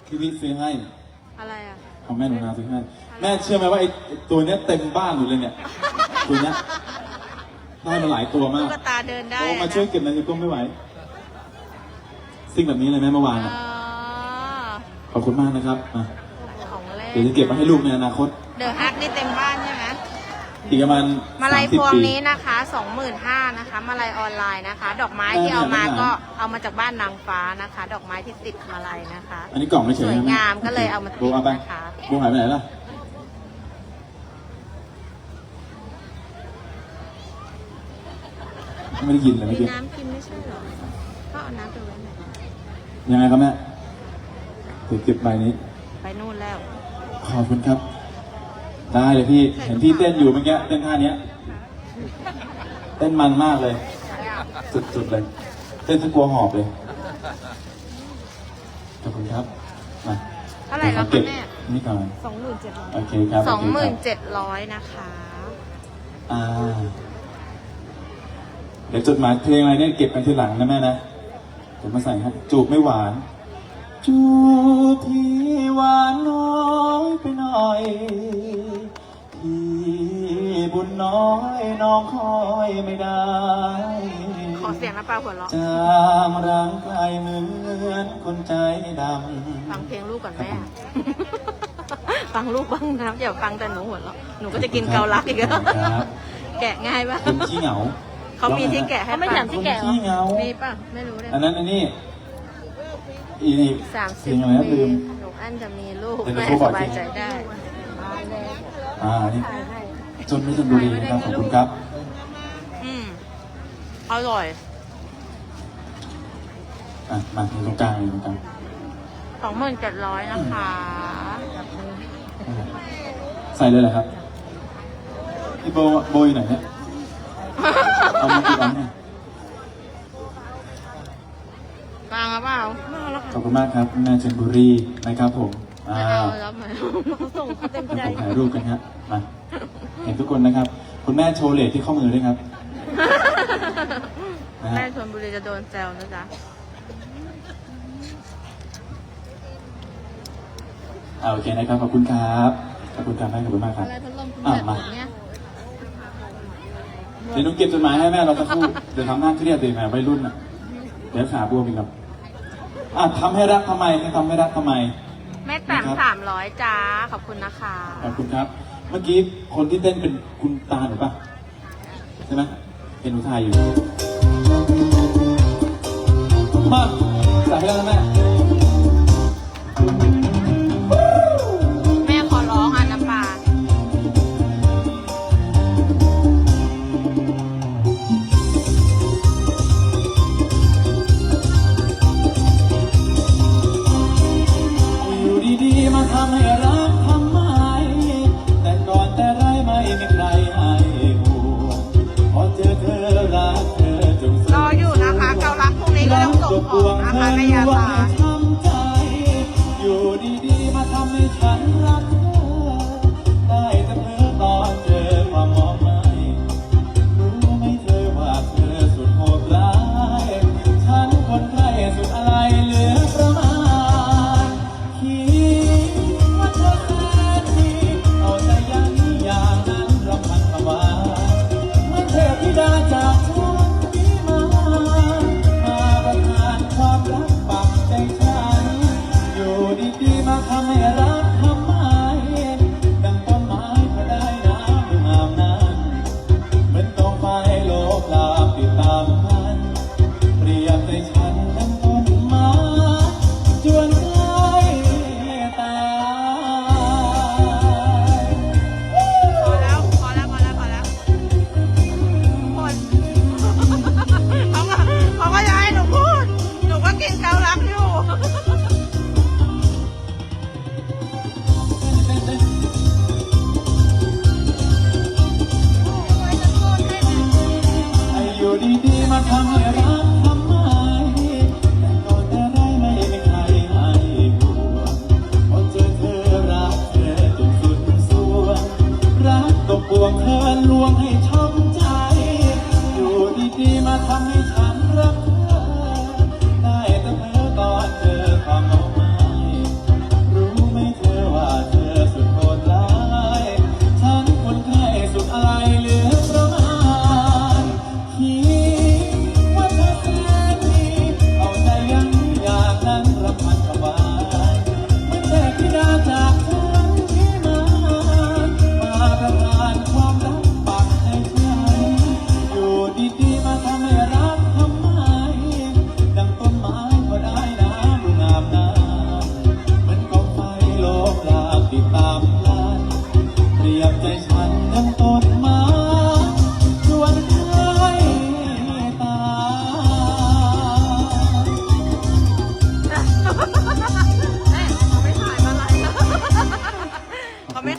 พี่วิซื้อให้อะไรอ่ะของแม่หนูนาซื้อให้แม่เชื่อไหมว่าไอ้ตัวเนี้ยเต็มบ้านอยู่เลยเนี่ยตัวเนี้ยได้มาหลายตัวมากตุ๊กตาเดินได้โอ้มาช่วยเก็บในนิ้วก้มไม่ไหวสิ่งแบบนี้เลยแม่เมื่อวานขอบคุณมากนะครับของเล่นเดี๋ยวจะเก็บมาให้ลูกในอนาคตเดอะฮักนี่เต็มบ้านใช่ไหมอีกประมาณมาลัยพวงนี้นะคะ 25,000 นะคะมาลัยออนไลน์นะคะดอกไม้ที่เอามาก็เอามาจากบ้านนางฟ้านะคะ ดอกไม้ที่ติดมาลัยนะคะอันนี้กล่องไม่เฉยสวยงามก็เลยเอามาติดนะคะโบหายไปไหนล่ะไม่ได้ยินเลยเมื่อกี้น้ำกินไม่ใช่หรอก็เอาน้ำไปไว้ไหนยังไงครับแม่เก็บใบนี้ไปนู่นแล้วขอบคุณครับได้เลยพี่เห็นพี่เต้นอยู่เมื่อกี้เต้นท่านี้เต้นมันมากเลยสุดๆเลยเต้นจนกลัวหอบเลยขอบคุณครับมาเท่าไหร่แล้วคะแม่นี่ก่อน 27,000 โอเคครับ 27,000นะคะเดี๋ยวจดหมายเพลงอะไรเนี่ยเก็บกันทีหลังนะแม่นะเดี๋ยวมาใส่ครับจูบไม่หวานจูบที่หวานน้อยไปหน่อยที่บุญน้อยน้องคอยไม่ได้ขอเสียงน้ำปลาหัวเราะจางร่างกายเหมือนคนใจดำฟังเพลงลูกก่อนแม่ ฟังลูกบ้างนะอย่าฟังแต่หนูหัวเราะหนูก็จะกินเกาลัดอีกแล้วแกะง่ายป่ะคนขี้เหงาเขามีที่แกะให้ไม่ถามที่แกะมีป่ะไม่รู้เลยอันนั้นอันนี้ 30 ปีหนูอันจะมีลูกแม่สบายใจได้นี่จนไม่จนบุรีนะครับขอบคุณครับอร่อยมาตรงกลางตรงกลาง 27,000นะคะใส่เลยเหรอครับพี่โบยไหนเนี่ยเอามากี่อันเนี่ยกลางหรือเปล่าขอบคุณมากครับแม่ชลบุรีนะครับผมรับไหมส่งเต็มใจถ่ายรูปกันครับมาเห็นทุกคนนะครับคุณแม่โชว์เลทที่ข้อมือด้วยครับแม่ชลบุรีจะโดนแซวนะจ๊ะโอเคนะครับขอบคุณครับขอบคุณครับแม่ขอบคุณมากครับมาเดี๋ยวนุ๊กเก็บจดหมายให้แม่เราสักครู่เดี๋ยวทำหน้าเครียดเลยแม่วัยรุ่นเดี๋ยวขาบวมอีกครับทำให้รักทำไมทำให้รักทำไมแม่แต่300จ้าขอบคุณนะคะขอบคุณครับเมื่อกี้คนที่เต้นเป็นคุณตาหรือเปล่าใช่ไหมเป็นอุทัยอยู่มาใส่ให้แล้วนะแม่ขอร้องน้ำปลาอยู่ดีๆมาทำให้รักทำไมแต่ก่อนแต่ไรไม่มีใครให้ห่วงพอเจอเธอรักเธอจงรออยู่นะคะเกาลัดพรุ่งนี้ก็ต้องส่งของนะคะแม่ยาตาอยู่ดีๆมาทำให้ฉันรักเธอได้แต่เพ้อตอนเจอความมองไม่รู้ไหมเธอว่าเธอสุดโหดร้ายฉันคนไข้สุดอะไรเหลือประมาณคิดว่าเธอแสนดีเอาใจยันอย่างนั้นรำพันประมาเมื่อเทพธิดาจากฉันนี้มาประทานความรักปักใจฉันอยู่ดีๆมาทำให้รักทำไมดังต้นไม้พอได้น้ำงามนั้นเหมือนกองไฟโลกลาติดตามพันเปรียบใจฉันดังต้นไม้จวนใกล้ตายพอแล้วหมดเขาก็จะให้หนูพูดหนูก็กินเกาลัดอยู่อยู่ดีๆมาทำให้รักทำไมแต่ก่อนแต่ไรไม่มีใครให้ห่วงพอเจอเธอรักเธอจนสุดสวงรักตกปวงเธอลวงให้ช้ำใจอยู่ดีๆมาทำให้ฉันรักเธอได้แต่เพ้อตอนเจอ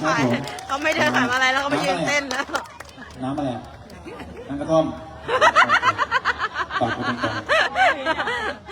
ครับขายผมเขาไม่เดินขายอะไรแล้วเขาไปยืนเต้นแล้วน้ำอะไรอะน้ำกระท่อมตอบกูตรงๆ